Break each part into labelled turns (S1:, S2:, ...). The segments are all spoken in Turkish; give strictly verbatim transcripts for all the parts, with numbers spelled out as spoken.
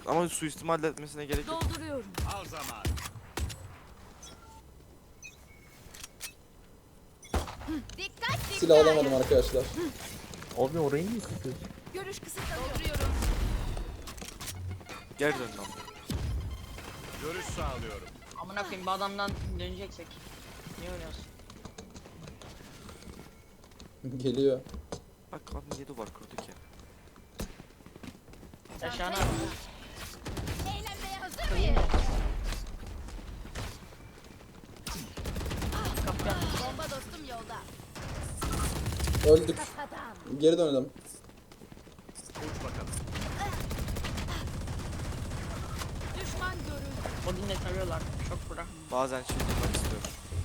S1: Ama suistimal etmesine gerek yok.
S2: Dolduruyorum.
S3: Al zaman.
S2: Dikkat dikkat.
S4: Silah alamadım arkadaşlar.
S5: Abi orayı niye kırıyorsun?
S2: Görüş kısıtlanıyor. Dolduruyorum.
S1: Geri dön lan.
S3: Görüş sağlıyorum.
S6: Amına koyayım bu adamdan döneceksek. Niye oynuyorsun?
S4: Geliyor.
S1: Bak kadın niye duvar kırdı ki?
S6: Aşağına.
S2: Eğlenmeye hazır mıyız?
S6: Kapıya.
S2: Bomba dostum yolda.
S4: Öldük.
S2: Kafadan.
S4: Geri dönelim.
S3: Uç bakalım.
S2: Düşman görüldü.
S6: Odin'le tarıyorlar. Çok bura.
S1: Bazen şey yapmak istiyorum.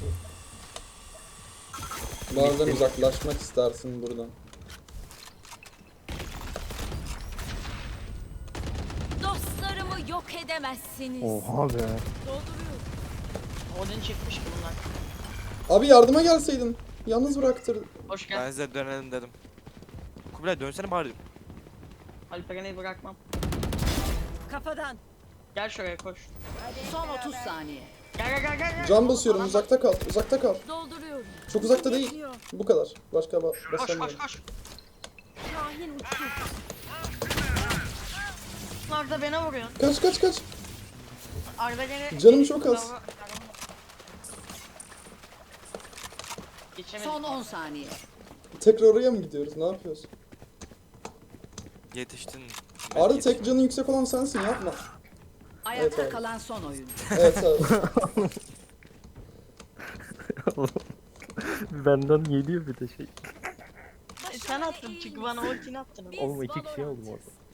S4: Bazen uzaklaşmak istersin buradan.
S2: Dostlarımı yok edemezsiniz.
S5: Oha be.
S2: Dolduruyorum.
S6: Odin çıkmış ki bunlar.
S4: Abi yardıma gelseydin. Yalnız bıraktır.
S6: Hoş
S1: Ben
S6: geldin.
S1: size dönelim dedim. Kubilay dönsene bari.
S6: Alperen'i bırakmam.
S2: Kafadan.
S6: Gel şuraya koş.
S2: Son otuz saniye.
S6: Gel gel gel gel. gel.
S4: Can basıyorum,
S6: Adam-
S4: uzakta kal. Uzakta kal.
S2: Dolduruyorum.
S4: Çok uzakta değil. Bu kadar. Başka ba
S6: Koş koş
S4: basamıyorum.
S6: koş.
S2: Şahin uçtu.
S6: Bunlar da bana vuruyor.
S4: Kaç kaç kaç.
S6: Arda gene...
S4: Canım çok az.
S6: Geçemedim.
S2: Son on saniye.
S4: Tekrar oraya mı gidiyoruz? Ne yapıyoruz?
S1: Yetiştin.
S4: Arda
S1: Yetiştin.
S4: tek canı yüksek olan sensin, yapma.
S2: Ayakta
S4: Evet, abi.
S2: kalan son oyun.
S4: Evet abi.
S5: Benden geliyor bir de şey.
S6: E, sen attın çünkü bana ultini attın.
S5: Oğlum iki kişi aldım orada.